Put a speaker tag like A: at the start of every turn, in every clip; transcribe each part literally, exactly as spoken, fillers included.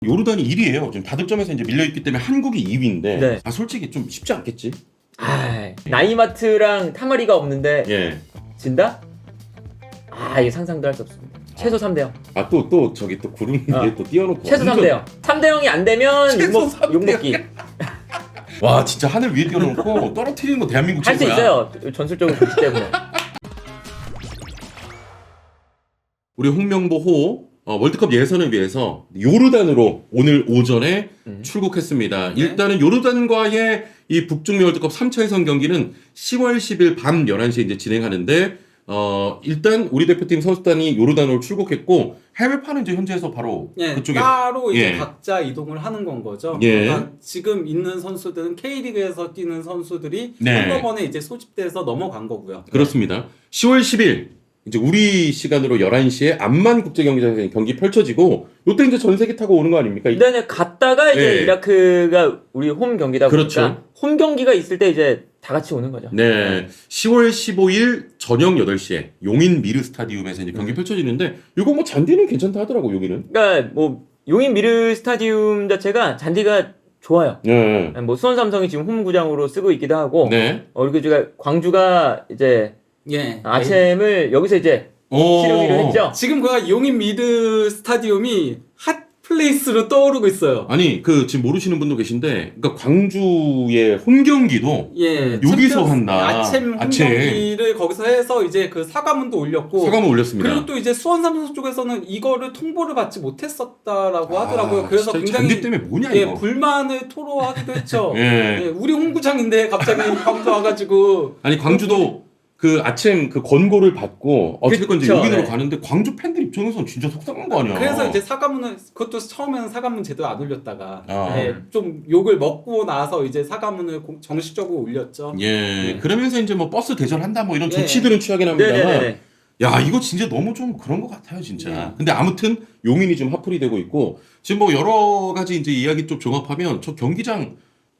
A: 요르단이 일 위예요. 지금 다득점에서 이제 밀려있기 때문에 한국이 이 위인데
B: 네.
A: 아 솔직히 좀 쉽지 않겠지?
B: 아, 나이마트랑 타마리가 없는데
A: 예.
B: 진다? 아, 이게 상상도 할 수 없습니다. 최소 삼 대 영.
A: 아 또 또 저기 또 구름
B: 어.
A: 위에 또 띄워놓고
B: 최소 삼 대 영. 삼 대 영이 안 되면
A: 최소
B: 욕먹,
A: 삼 대
B: 욕먹기.
A: 와 진짜 하늘 위에 띄워놓고 떨어뜨리는 거 대한민국
B: 할 수
A: 최고야.
B: 있어요. 전술적으로 좋기 때문에.
A: 우리 홍명보 호 어, 월드컵 예선을 위해서 요르단으로 오늘 오전에
B: 음.
A: 출국했습니다.
C: 네.
A: 일단은 요르단과의 이 북중미 월드컵 삼 차 예선 경기는 시월 십일 밤 열한 시에 이제 진행하는데 어 일단 우리 대표팀 선수단이 요르단으로 출국했고 해외파는 이제 현지에서 바로
C: 예,
A: 그쪽에
C: 따로 이제
A: 예.
C: 각자 이동을 하는 건 거죠.
A: 예.
C: 그러니까 지금 있는 선수들은 K리그에서 뛰는 선수들이
A: 네.
C: 한꺼번에 이제 소집돼서 넘어간 거고요.
A: 그렇습니다. 시월 십일 이제 우리 시간으로 열한 시에 암만 국제경기장에서 경기 펼쳐지고 요때 이제 전세기 타고 오는 거 아닙니까?
B: 일단은 갔다가 이제
A: 예.
B: 이라크가 우리 홈 경기다 보니까
A: 그렇죠.
B: 홈 경기가 있을 때 이제 다 같이 오는 거죠.
A: 네. 시월 십오일 저녁 여덟 시에 용인 미르 스타디움에서 이제 경기 펼쳐지는데 이거 뭐 잔디는 괜찮다 하더라고 여기는.
B: 그러니까 뭐 용인 미르 스타디움 자체가 잔디가 좋아요.
A: 네.
B: 뭐 수원 삼성이 지금 홈 구장으로 쓰고 있기도 하고,
A: 네.
B: 어 그리고 제가 광주가 이제
C: 예.
B: 아챔을 여기서 이제
A: 오.
B: 치르기로 했죠.
C: 지금 그 용인 미드 스타디움이 핫 플레이스로 떠오르고 있어요.
A: 아니 그 지금 모르시는 분도 계신데 그러니까 광주의 홈 경기도
C: 예.
A: 여기서
C: 챔피언스-
A: 한다.
C: 아챔
A: 아챔.
C: 홈경기를 거기서 해서 이제 그 사과문도 올렸고
A: 사과문 올렸습니다.
C: 그리고 또 이제 수원 삼성 쪽에서는 이거를 통보를 받지 못했었다라고
A: 아,
C: 하더라고요. 그래서
A: 진짜
C: 굉장히
A: 잔디 때문에 뭐냐
C: 예,
A: 이거.
C: 불만을 토로하기도 했죠.
A: 예.
C: 예, 우리 홍구장인데 갑자기 광주 와가지고
A: 아니 광주도 그 아침 그 권고를 받고 어쨌건 이제
B: 그쵸,
A: 용인으로
B: 네.
A: 가는데 광주 팬들 입장에서는 진짜 속상한 거 아니야.
C: 그래서 이제 사과문을 그것도 처음에는 사과문 제대로 안 올렸다가
A: 아.
C: 예, 좀 욕을 먹고 나서 이제 사과문을 공- 정식적으로 올렸죠.
A: 예.
C: 네.
A: 그러면서 이제 뭐 버스 대절한다 뭐 이런
C: 예.
A: 조치들은 취하긴 합니다만
B: 네네네.
A: 야 이거 진짜 너무 좀 그런 것 같아요 진짜.
C: 네.
A: 근데 아무튼 용인이 좀 핫플이 되고 있고 지금 뭐 여러 가지 이제 이야기 좀 종합하면 저 경기장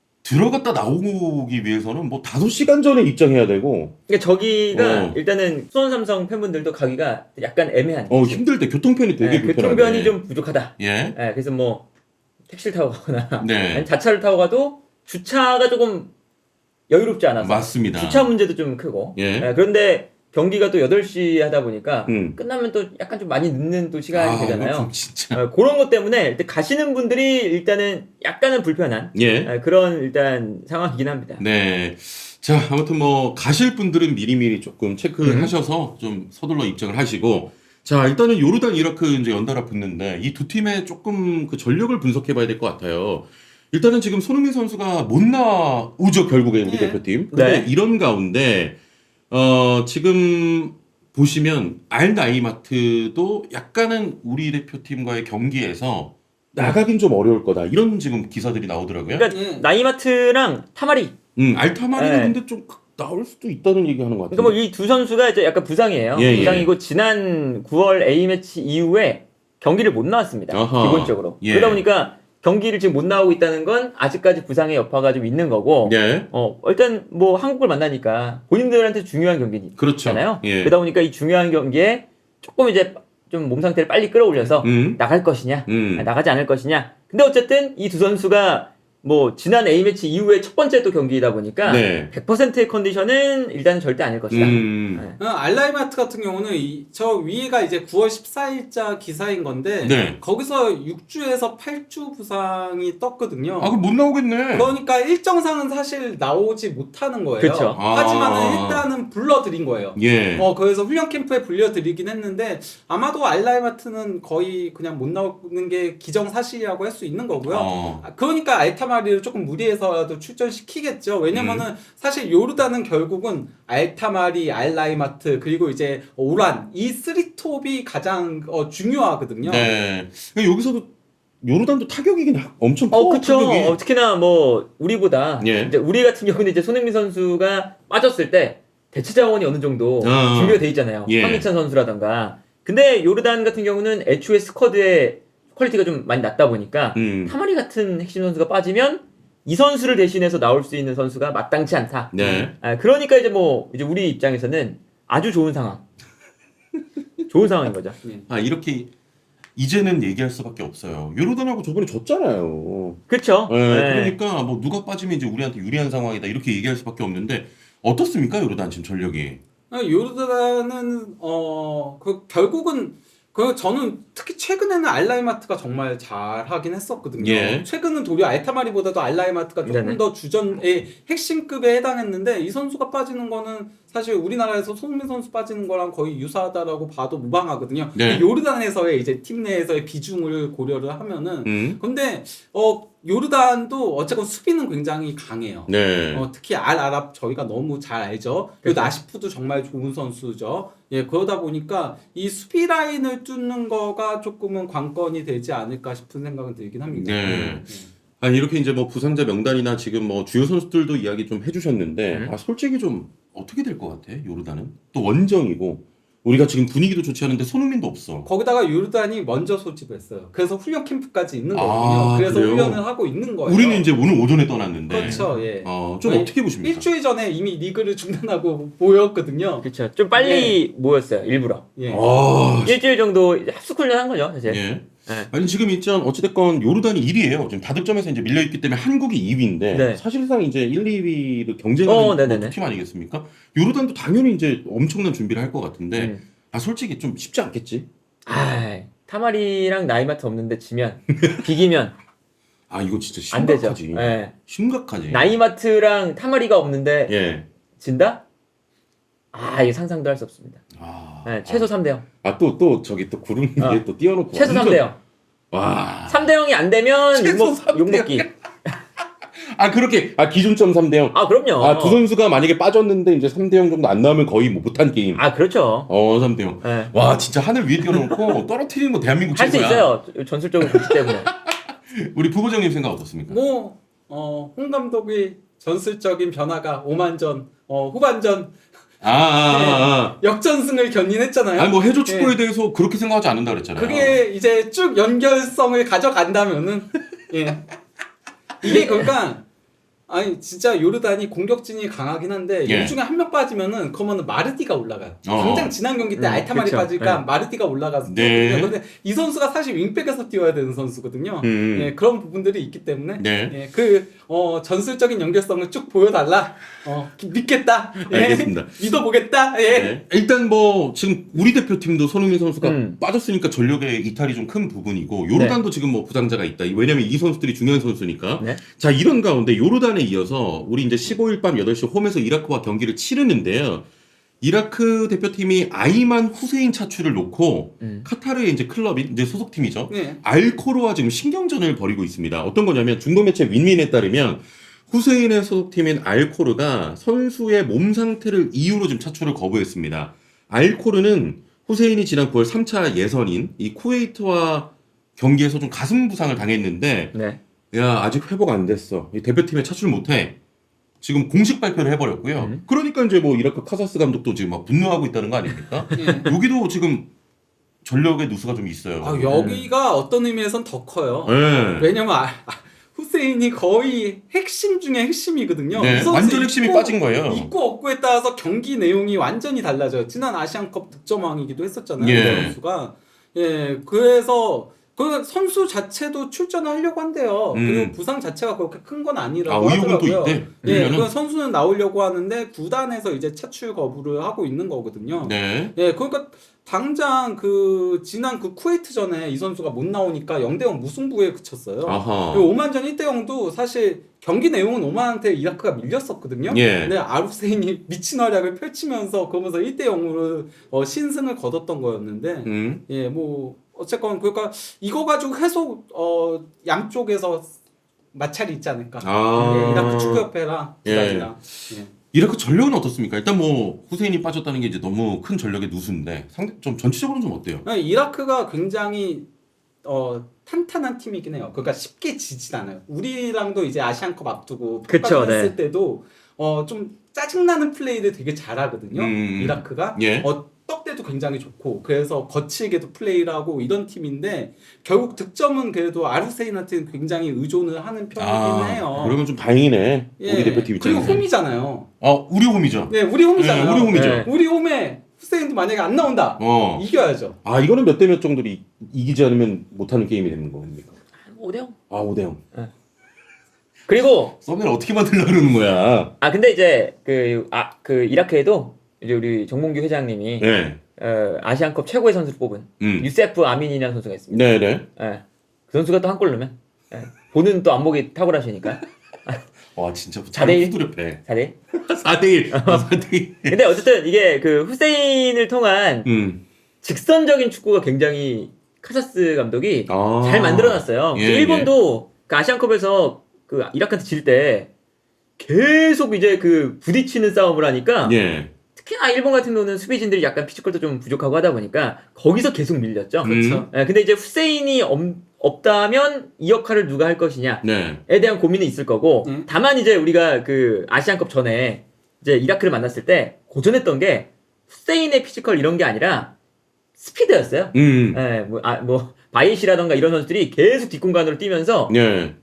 A: 들어갔다 나오기 위해서는 뭐 다섯 시간 전에 입장해야 되고
B: 그러니까 저기가
A: 어.
B: 일단은 수원 삼성 팬분들도 가기가 약간 애매한.
A: 어 힘들 때 교통편이 되게
B: 네,
A: 불편하네.
B: 교통편이 좀 부족하다.
A: 예.
B: 네, 그래서 뭐 택시를 타고 가거나
A: 네.
B: 아니 자차를 타고 가도 주차가 조금 여유롭지 않아서
A: 맞습니다.
B: 주차 문제도 좀 크고.
A: 예.
B: 네, 그런데 경기가 또 여덟 시 하다 보니까
A: 음.
B: 끝나면 또 약간 좀 많이 늦는 또 시간이
A: 아, 이거
B: 되잖아요.
A: 좀 진짜.
B: 어, 그런 것 때문에 일단 가시는 분들이 일단은 약간은 불편한
A: 예.
B: 어, 그런 일단 상황이긴 합니다.
A: 네. 자, 아무튼 뭐 가실 분들은 미리미리 조금 체크하셔서 좀 서둘러 입장을 하시고 자, 일단은 요르단 이라크 이제 연달아 붙는데 이 두 팀의 조금 그 전력을 분석해 봐야 될 것 같아요. 일단은 지금 손흥민 선수가 못 나오죠, 결국에 우리
C: 네.
A: 대표팀. 근데
B: 네.
A: 이런 가운데 어, 지금 보시면 알나이마트도 약간은 우리 대표팀과의 경기에서 나가긴 좀 어려울 거다. 이런 지금 기사들이 나오더라고요.
B: 그러니까
C: 예.
B: 나이마트랑 타마리.
A: 음, 알타마리는
B: 네.
A: 근데 좀 나올 수도 있다는 얘기 하는 것 같아요.
B: 그러니까 뭐 이 두 선수가 이제 약간 부상이에요.
A: 예, 예.
B: 부상이고 지난 구월 A매치 이후에 경기를 못 나왔습니다.
A: 아하.
B: 기본적으로.
A: 예.
B: 그러다 보니까 경기를 지금 못 나오고 있다는 건 아직까지 부상의 여파가 좀 있는 거고.
A: 예.
B: 어, 일단 뭐 한국을 만나니까 본인들한테 중요한 경기잖아요.
A: 그렇죠. 예.
B: 그러다 보니까 이 중요한 경기에 조금 이제 좀 몸 상태를 빨리 끌어올려서
A: 음.
B: 나갈 것이냐,
A: 음.
B: 아, 나가지 않을 것이냐. 근데 어쨌든 이 두 선수가 뭐 지난 A매치 이후에 첫 번째 또 경기이다 보니까
A: 네.
B: 백 퍼센트의 컨디션은 일단 절대 아닐 것이다.
A: 음.
B: 네.
C: 어, 알라이마트 같은 경우는 이, 저 위에가 이제 구월 십사일자 기사인 건데
A: 네.
C: 거기서 육 주에서 팔 주 부상이 떴거든요.
A: 아, 그럼 못 나오겠네.
C: 그러니까 일정상은 사실 나오지 못하는 거예요.
B: 그쵸.
C: 하지만은
A: 아.
C: 일단은 불러드린 거예요.
A: 예.
C: 어, 그래서 훈련 캠프에 불려드리긴 했는데 아마도 알라이마트는 거의 그냥 못 나오는 게 기정사실이라고 할 수 있는 거고요.
A: 어.
C: 아, 그러니까 알타마리를 조금 무리해서라도 출전시키겠죠. 왜냐면은
A: 음.
C: 사실 요르단은 결국은 알타마리, 알라이마트 그리고 이제 오란 이 쓰리톱이 가장 어, 중요하거든요.
A: 네. 그러니까 여기서도 요르단도 타격이긴 하- 엄청 커.
B: 어, 그쵸.
A: 타격이.
B: 어, 특히나 뭐 우리보다
A: 예.
B: 이제 우리 같은 경우는 이제 손흥민 선수가 빠졌을 때 대체 자원이 어느 정도
A: 어.
B: 준비가 돼 있잖아요.
A: 예.
B: 황희찬 선수라던가. 근데 요르단 같은 경우는 애초에 스쿼드의 퀄리티가 좀 많이 낮다 보니까
A: 음.
B: 타마리 같은 핵심 선수가 빠지면 이 선수를 대신해서 나올 수 있는 선수가 마땅치 않다.
A: 네.
B: 아, 그러니까 이제 뭐 이제 우리 입장에서는 아주 좋은 상황. 좋은 상황인 거죠.
A: 아, 이렇게 이제는 얘기할 수밖에 없어요. 요르단하고 저번에 졌잖아요.
B: 그렇죠.
A: 네,
B: 네.
A: 그러니까 뭐 누가 빠지면 이제 우리한테 유리한 상황이다 이렇게 얘기할 수밖에 없는데 어떻습니까 요르단 지금 전력이?
C: 요르단은 어 그 결국은 그 저는 특히 최근에는 알라이마트가 정말 잘하긴 했었거든요.
A: 예.
C: 최근은 도리어 알타마리보다도 알라이마트가 조금
B: 네네.
C: 더 주전의 핵심급에 해당했는데 이 선수가 빠지는 거는 사실 우리나라에서 손흥민 선수 빠지는 거랑 거의 유사하다라고 봐도 무방하거든요.
A: 네.
C: 요르단에서의 이제 팀 내에서의 비중을 고려를 하면은
A: 음.
C: 근데 어 요르단도 어쨌건 수비는 굉장히 강해요.
A: 네.
C: 어, 특히 알 아랍 저희가 너무 잘 알죠. 그리고
B: 그렇죠.
C: 나시프도 정말 좋은 선수죠. 예, 그러다 보니까 이 수비 라인을 뚫는 거가 조금은 관건이 되지 않을까 싶은 생각은 들긴 합니다.
A: 네.
C: 예.
A: 아니 이렇게 이제 뭐 부상자 명단이나 지금 뭐 주요 선수들도 이야기 좀 해주셨는데
B: 음.
A: 아 솔직히 좀 어떻게 될 것 같아 요르단은 또 원정이고 우리가 지금 분위기도 좋지 않은데 손흥민도 없어.
C: 거기다가 요르단이 먼저 소집했어요. 그래서 훈련 캠프까지 있는
A: 아,
C: 거거든요. 그래서
A: 그래요?
C: 훈련을 하고 있는 거예요.
A: 우리는 이제 오늘 오전에 떠났는데.
C: 그렇죠. 예.
A: 어, 좀
C: 아니,
A: 어떻게 보십니까?
C: 일주일 전에 이미 리그를 중단하고 모였거든요.
B: 그렇죠. 좀 빨리 모였어요. 일부러.
C: 예.
A: 아,
B: 일주일 정도 이제 합숙 훈련한 거죠, 사실.
A: 예.
B: 네.
A: 아니 지금 있잖 어찌됐건 요르단이 일 위예요. 지금 다득점에서 이제 밀려 있기 때문에 한국이 이 위인데
B: 네.
A: 사실상 이제 일, 이 위를 경쟁하는
B: 어, 네네네.
A: 팀 아니겠습니까? 요르단도 당연히 이제 엄청난 준비를 할 것 같은데
B: 음.
A: 아 솔직히 좀 쉽지 않겠지?
B: 아, 타마리랑 나이마트 없는데 지면 비기면
A: 아 이거 진짜
B: 안 되죠.
A: 심각하지.
B: 예.
A: 심각하지.
B: 나이마트랑 타마리가 없는데
A: 예.
B: 진다? 아, 이거 상상도 할 수 없습니다.
A: 아,
B: 네, 최소 삼 대 영.
A: 아또 또 저기 또 구름 위에
B: 어.
A: 또 띄워놓고
B: 최소 삼 대 영.
A: 와.
B: 삼 대 영이 안 되면
C: 최소
B: 욕먹,
C: 삼 대
B: 욕먹기.
A: 아 그렇게 아 기준점 삼 대 영.
B: 아, 그럼요.
A: 아 두 선수가 만약에 빠졌는데 이제 삼 대 영 정도 안 나오면 거의 뭐 못한 게임.
B: 아, 그렇죠.
A: 어 삼 대 영.
B: 네.
A: 와 진짜 하늘 위에 띄워놓고 떨어뜨리는 거 대한민국
B: 할 수
A: 최고야.
B: 있어요. 전술적으로 그렇기 때문에.
A: 우리 부부장님 생각 어떻습니까?
C: 뭐, 어, 홍 감독의 전술적인 변화가 오만전, 어, 후반전
A: 아, 아, 아,
C: 역전승을 견인했잖아요.
A: 아. 아니 뭐 해조 축구에
C: 예.
A: 대해서 그렇게 생각하지 않는다 그랬잖아요.
C: 그게 이제 쭉 연결성을 가져간다면은, 예. 이게 그러니까, 아니, 진짜 요르단이 공격진이 강하긴 한데,
A: 예.
C: 이 중에 한 명 빠지면은, 그러면은 마르디가 올라가요.
A: 어.
C: 당장 지난 경기 때
B: 음,
C: 알타마리
B: 그쵸.
C: 빠질까,
B: 네.
C: 마르디가 올라가서.
A: 네.
C: 뛰었거든요. 근데 이 선수가 사실 윙백에서 뛰어야 되는 선수거든요.
A: 음.
C: 예, 그런 부분들이 있기 때문에,
A: 네.
C: 예, 그 어, 전술적인 연결성을 쭉 보여달라. 어, 믿겠다. 예.
A: 알겠습니다.
C: 믿어보겠다. 예.
A: 네. 일단 뭐 지금 우리 대표팀도 손흥민 선수가
B: 음.
A: 빠졌으니까 전력의 이탈이 좀 큰 부분이고 요르단도 지금 뭐 부상자가 있다. 왜냐면 이 선수들이 중요한 선수니까.
B: 네.
A: 자 이런 가운데 요르단에 이어서 우리 이제 십오 일 밤 여덟 시 홈에서 이라크와 경기를 치르는데요. 이라크 대표팀이 아이만 후세인 차출을 놓고
B: 음.
A: 카타르의 이제 클럽인 이제 소속팀이죠.
C: 네.
A: 알코르와 지금 신경전을 벌이고 있습니다. 어떤 거냐면 중동 매체 윈윈에 따르면 후세인의 소속팀인 알코르가 선수의 몸 상태를 이유로 지금 차출을 거부했습니다. 알코르는 후세인이 지난 구월 삼 차 예선인 이 쿠웨이트와 경기에서 좀 가슴 부상을 당했는데
B: 네.
A: 야 아직 회복 안 됐어. 이 대표팀에 차출 못해. 지금 공식 발표를 해버렸고요.
B: 음.
A: 그러니까 이제 뭐 이라크 카사스 감독도 지금 막 분노하고 있다는 거 아닙니까?
C: 예.
A: 여기도 지금 전력의 누수가 좀 있어요.
C: 아, 여기가 어떤 의미에선 더 커요.
A: 네.
C: 왜냐면 아, 아, 후세인이 거의 핵심 중에 핵심이거든요.
A: 네,
C: 이 선수
A: 완전 핵심이
C: 있고,
A: 빠진 거예요.
C: 있고 없고에 따라서 경기 내용이 완전히 달라져요. 지난 아시안컵 득점왕이기도 했었잖아요.
A: 예.
C: 이 선수가. 예, 그래서 그 선수 자체도 출전을 하려고 한대요.
A: 음.
C: 그리고 부상 자체가 그렇게 큰 건
A: 아,
C: 아니라고
A: 의혹은 또
C: 하더라고요.
A: 있대.
C: 예,
A: 그러면은.
C: 그 선수는 나오려고 하는데 구단에서 이제 차출 거부를 하고 있는 거거든요.
A: 네.
C: 예, 그러니까 당장 그 지난 그 쿠웨이트 전에 이 선수가 못 나오니까 영 대 영 무승부에 그쳤어요.
A: 아하.
C: 그리고 오만전 일 대 영도 사실 경기 내용은 오만한테 이라크가 밀렸었거든요.
A: 예.
C: 근데 아르세인이 미친 활약을 펼치면서 그러면서 일 대 영으로 어, 신승을 거뒀던 거였는데
A: 음.
C: 예, 뭐 어쨌건 그러니까 이거 가지고 계속 어, 양쪽에서 마찰이 있지 않을까.
A: 아.
C: 예, 이라크 축구협회랑
A: 예.
C: 구단이랑. 예.
A: 이라크 전력은 어떻습니까? 일단 뭐 후세인이 빠졌다는 게 이제 너무 큰 전력의 누수인데 상대 좀 전체적으로는 좀 어때요?
C: 아니, 이라크가 굉장히 어, 탄탄한 팀이긴 해요. 그러니까 쉽게 지진 않아요. 우리랑도 이제 아시안컵 앞두고
B: 그쵸,
C: 했을
B: 네.
C: 때도 어, 좀 짜증나는 플레이를 되게 잘하거든요.
A: 음.
C: 이라크가
A: 예.
C: 어, 떡대도 굉장히 좋고 그래서 거칠게도 플레이를 하고 이런 팀인데 결국 득점은 그래도 아르세인한테는 굉장히 의존을 하는 편이긴
A: 아,
C: 해요.
A: 그러면 좀 다행이네.
C: 예.
A: 우리 대표팀
C: 그리고
A: 입장에서.
C: 홈이잖아요.
A: 어, 우리 홈이죠.
C: 네, 우리 홈이잖아요.
A: 네, 우리 홈이죠.
B: 네.
C: 우리 홈에 후세인도 만약에 안 나온다.
A: 어.
C: 이겨야죠.
A: 아 이거는 몇 대 몇 정도로 이, 이기지 않으면 못하는 게임이 되는 겁니까?
B: 오 대 영.
A: 아 오 대 영.
B: 그리고
A: 썸네일 어떻게 만들려 그러는 거야?
B: 아 근데 이제 그 아 그 이라크에도 이제 우리 정몽규 회장님이
A: 네.
B: 어, 아시안컵 최고의 선수를 뽑은
A: 음.
B: 유세프 아민이라는 선수가 있습니다.
A: 네네.
B: 예. 그 선수가 또 한 골 넣으면 예. 보는 또 안목이 탁월하시니까
A: 와 진짜
B: 사 대 일?
A: 후드렵해.
B: 사 대 일.
A: 사 대 일. 사 대 일.
B: 근데 어쨌든 이게 그 후세인을 통한
A: 음.
B: 직선적인 축구가 굉장히 카사스 감독이
A: 아.
B: 잘 만들어놨어요.
A: 예,
B: 그래서 일본도 그 아시안컵에서 그 이라크한테 질 때 계속 이제 그 부딪히는 싸움을 하니까
A: 예.
B: 특히나 일본 같은 경우는 수비진들이 약간 피지컬도 좀 부족하고 하다 보니까 거기서 계속 밀렸죠.
A: 그렇죠.
B: 예, 근데 이제 후세인이 없, 없다면 이 역할을 누가 할 것이냐에
A: 네.
B: 대한 고민은 있을 거고
C: 음.
B: 다만 이제 우리가 그 아시안컵 전에 이제 이라크를 만났을 때 고전했던 게 후세인의 피지컬 이런 게 아니라 스피드였어요.
A: 음.
B: 예, 뭐, 아, 뭐, 바이시라던가 이런 선수들이 계속 뒷공간으로 뛰면서
A: 네.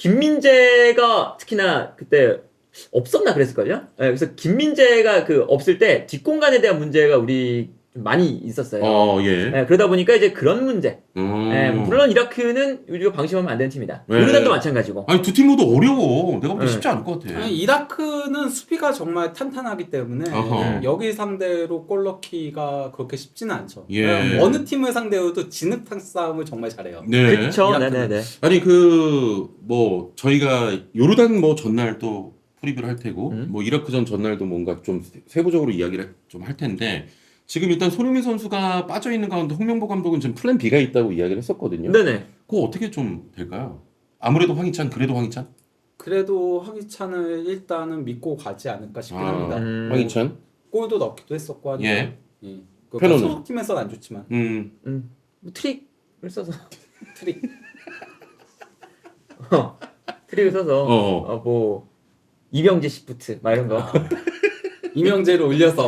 B: 김민재가 특히나 그때 없었나 그랬을걸요? 예, 그래서 김민재가 그 없을 때 뒷공간에 대한 문제가 우리 좀 많이 있었어요.
A: 어 예.
B: 예, 그러다 보니까 이제 그런 문제.
A: 음.
B: 예, 물론 이라크는 우리가 방심하면 안 되는 팀이다.
A: 네.
B: 요르단도 마찬가지고.
A: 아니 두 팀 모두 어려워. 내가 보기
B: 네.
A: 쉽지 않을 것 같아.
C: 아니, 이라크는 수비가 정말 탄탄하기 때문에
A: 어허.
C: 여기 상대로 골 넣기가 그렇게 쉽지는 않죠.
A: 예.
C: 어느 팀을 상대로도 진흙탕 싸움을 정말 잘해요.
A: 네.
B: 그쵸,
C: 이라크는.
B: 네네네.
A: 아니 그 뭐 저희가 요르단 뭐 전날 또 프리뷰를 할 테고
B: 음.
A: 뭐 이라크전 전날도 뭔가 좀 세부적으로 이야기를 좀 할 텐데 지금 일단 손흥민 선수가 빠져 있는 가운데 홍명보 감독은 지금 플랜 B가 있다고 이야기를 했었거든요.
B: 네네.
A: 그거 어떻게 좀 될까요? 아무래도 황희찬 그래도 황희찬?
C: 그래도 황희찬을 일단은 믿고 가지 않을까 싶긴
A: 아,
C: 합니다.
B: 음.
A: 황희찬?
C: 골도 넣기도 했었고 하니까.
A: 예.
C: 예. 그
A: 페노는?
C: 소속팀에서는 안 좋지만
A: 음.
B: 음, 뭐 트릭을 써서.
C: 트릭.
B: 어, 트릭을 써서.
A: 어.
B: 어, 뭐, 이병재 시프트, 막 이런 거.
C: 이명재를 올려서.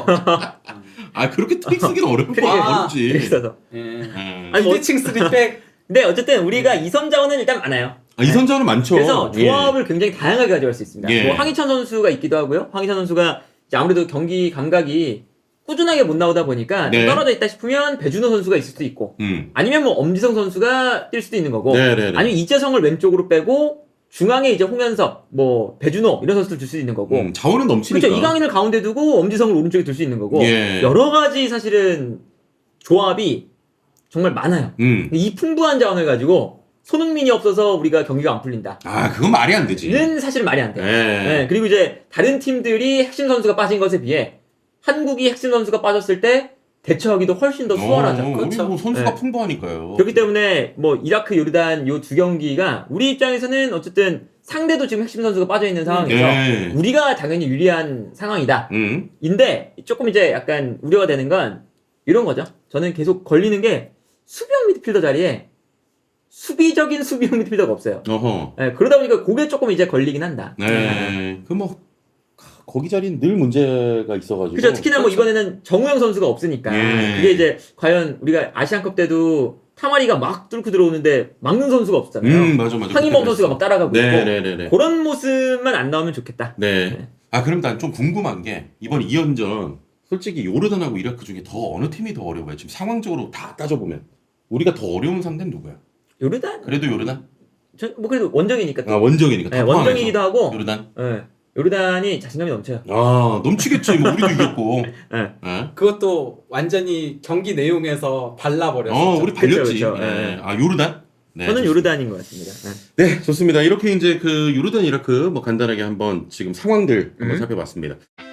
A: 아 그렇게 트릭 쓰기는 어려운
B: 트릭을-
A: 거
C: 아,
A: 어렵지.
B: 트릭 써서.
C: 예.
A: 음.
B: 아니, 뭐-
C: 비대칭 쓰리백.
B: 근데 어쨌든 우리가 이선 자원은 일단 많아요.
A: 아, 이 선자는 많죠.
B: 그래서
A: 예.
B: 조합을 굉장히 다양하게 가져갈 수 있습니다.
A: 예.
B: 뭐 황희찬 선수가 있기도 하고요. 황희찬 선수가 이제 아무래도 경기 감각이 꾸준하게 못 나오다 보니까 좀
A: 네.
B: 떨어져 있다 싶으면 배준호 선수가 있을 수도 있고
A: 음.
B: 아니면 뭐 엄지성 선수가 뛸 수도 있는 거고
A: 네네네.
B: 아니면 이재성을 왼쪽으로 빼고 중앙에 이제 홍현석, 뭐 배준호 이런 선수들 둘 수 있는 거고
A: 음, 자원은 넘치니까.
B: 그렇죠. 이강인을 가운데 두고 엄지성을 오른쪽에 둘 수 있는 거고
A: 예.
B: 여러 가지 사실은 조합이 정말 많아요.
A: 음.
B: 이 풍부한 자원을 가지고 손흥민이 없어서 우리가 경기가 안 풀린다.
A: 아 그건 말이 안 되지.
B: 는 사실 말이 안 돼요.
A: 예.
B: 네, 그리고 이제 다른 팀들이 핵심 선수가 빠진 것에 비해 한국이 핵심 선수가 빠졌을 때 대처하기도 훨씬 더 수월하죠.
A: 어, 우리
C: 그렇죠.
A: 뭐 선수가
B: 네.
A: 풍부하니까요.
B: 그렇기 때문에 뭐 이라크, 요르단 요 두 경기가 우리 입장에서는 어쨌든 상대도 지금 핵심 선수가 빠져 있는 상황에서
A: 예.
B: 우리가 당연히 유리한 상황이다.
A: 음.
B: 인데 조금 이제 약간 우려가 되는 건 이런 거죠. 저는 계속 걸리는 게 수비형 미드필더 자리에 수비적인 수비형 미드필더가 없어요.
A: 어허.
B: 예, 그러다 보니까 그게 조금 이제 걸리긴 한다.
A: 네. 그 뭐 거기 자리는 늘 문제가 있어가지고.
B: 그죠. 특히나 뭐
C: 그렇죠.
B: 이번에는 정우영 선수가 없으니까
A: 예.
B: 그게 이제 과연 우리가 아시안컵 때도 타마리가 막 뚫고 들어오는데 막는 선수가 없잖아요.
A: 음 맞아 맞아.
B: 황인범 선수가 막 따라가고 있고
A: 네네네네.
B: 그런 모습만 안 나오면 좋겠다.
A: 네.
B: 네.
A: 아 그럼 난 좀 궁금한 게 이번 이 연전 솔직히 요르단하고 이라크 중에 더 어느 팀이 더 어려워요? 지금 상황적으로 다 따져보면 우리가 더 어려운 상대는 누구야?
B: 요르단?
A: 그래도 요르단?
B: 저, 뭐 그래도 원정이니까. 또.
A: 아 원정이니까.
B: 네,
A: 다 포함해서.
B: 원정이기도 하고.
A: 요르단.
B: 예, 요르단이 자신감이 넘쳐요.
A: 아 넘치겠지. 뭐 우리도 이겼고.
B: 예.
A: 예.
C: 그것도 완전히 경기 내용에서 발라버렸어요.
A: 어 우리 발렸지.
B: 그쵸, 그쵸.
A: 예.
B: 예.
A: 아 요르단? 네,
B: 저는
A: 좋습니다.
B: 요르단인 것 같습니다. 예.
A: 네, 좋습니다. 이렇게 이제 그 요르단 이라크 뭐 간단하게 한번 지금 상황들 한번
B: 음.
A: 살펴봤습니다.